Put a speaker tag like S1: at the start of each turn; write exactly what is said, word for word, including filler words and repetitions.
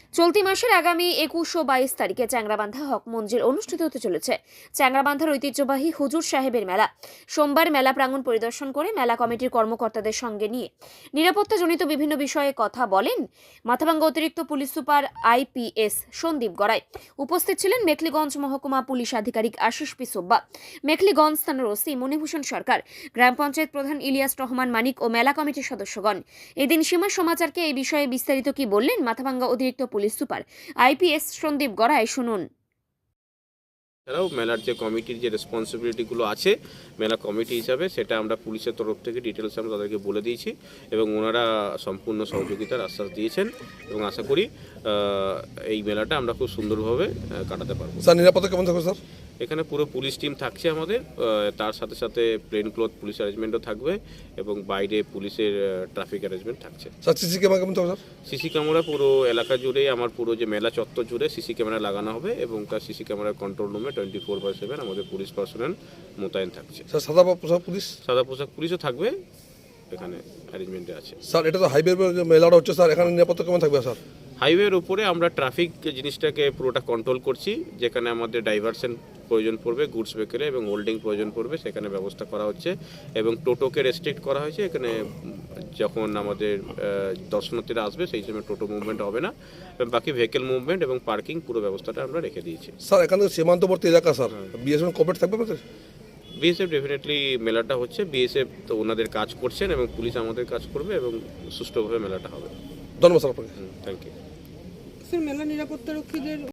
S1: চলতি মাসের আগামী একুশ ও বাইশ তারিখে চ্যাংরাবান্ধা হক মঞ্জিল অনুষ্ঠিত হতে চলেছে। চ্যাংরাবান্ধার ঐতিহ্যবাহী হুজুর সাহেবের মেলা। সোমবার মেলা প্রাঙ্গণ পরিদর্শন করে মেলা কমিটির কর্মকর্তাদের সঙ্গে নিয়ে নিরাপত্তাজনিত বিভিন্ন বিষয়ে কথা বলেন মাথাভাঙ্গা অতিরিক্ত police super IPS Sandip Garai. উপস্থিত ছিলেন মেখলিগঞ্জ মহকুমা পুলিশ আধিকারিক আশিস পি সোব্বা, মেখলিগঞ্জ থানার ওসি মণিভূষণ সরকার, গ্রাম পঞ্চায়েত প্রধান ইলিয়াস রহমান মানিক ও মেলা কমিটির সদস্যগণ। এদিন সীমা সমাচারকে এই বিষয়ে বিস্তারিত কি বললেন মাথাভাঙ্গা অতিরিক্ত police super IPS Sandip Garai, শুনুন।
S2: এছাড়াও মেলার যে কমিটির যে রেসপন্সিবিলিটিগুলো আছে মেলা কমিটি হিসাবে সেটা আমরা পুলিশের তরফ থেকে ডিটেলস আমরা তাদেরকে বলে দিয়েছি এবং ওনারা সম্পূর্ণ সহযোগিতার আশ্বাস দিয়েছেন এবং আশা করি এই মেলাটা আমরা খুব সুন্দরভাবে কাটাতে পারবো।
S3: স্যার নিরাপত্তা কেমন থাকবে স্যার?
S2: এখানে পুরো পুলিশ টিম থাকছে আমাদের, তার সাথে সাথে প্লেন ক্লথ পুলিশ অ্যারেঞ্জমেন্টও থাকবে এবং বাইরে পুলিশের ট্রাফিক অ্যারেঞ্জমেন্ট থাকছে।
S3: স্যার সিসি ক্যামেরা কেমন থাকবে স্যার?
S2: সিসি ক্যামেরা পুরো এলাকা জুড়ে, আমার পুরো যে মেলা চত্বর জুড়ে সিসি ক্যামেরা লাগানো হবে এবং তার সিসি ক্যামেরার কন্ট্রোল রুমে টোয়েন্টি ফোর বাই সেভেন আমাদের পুলিশ পার্সোনাল মোতায়েন থাকছে।
S3: স্যার সাদা পোশাক পুলিশ?
S2: সাদা পোশাক পুলিশও থাকবে, এখানে অ্যারেঞ্জমেন্টে আছে।
S3: স্যার এটা তো হাইওয়ে মেলাটা হচ্ছে স্যার, এখানে নিরাপত্তা কেমন থাকবে স্যার?
S2: হাইওয়ের উপরে আমরা ট্রাফিক জিনিসটাকে পুরোটা কন্ট্রোল করছি, যেখানে আমাদের ডাইভারশন প্রয়োজন পড়বে, গুডস ভেহিকেলে এবং হোল্ডিং প্রয়োজন পড়বে সেখানে ব্যবস্থা করা হচ্ছে এবং টোটোকে রেস্ট্রিক্ট করা হয়েছে। এখানে যখন আমাদের দর্শনার্থীরা আসবে সেই সময় টোটো মুভমেন্ট হবে না এবং বাকি ভেহিকেল মুভমেন্ট এবং পার্কিং পুরো ব্যবস্থাটা আমরা রেখে দিয়েছি।
S3: স্যার এখানে সীমান্তবর্তী এলাকা স্যার, বিএসএফ কোঅপারেট থাকবে আমাদের?
S2: বিএসএফ ডেফিনেটলি মেলাটা হচ্ছে, বিএসএফ তো ওনাদের কাজ করছেন এবং পুলিশ আমাদের কাজ করবে এবং সুষ্ঠুভাবে মেলাটা হবে।
S3: ধন্যবাদ স্যার আপনাকে।
S2: থ্যাংক ইউ
S4: স্যার মেলা নিরাপত্তা রক্ষীদের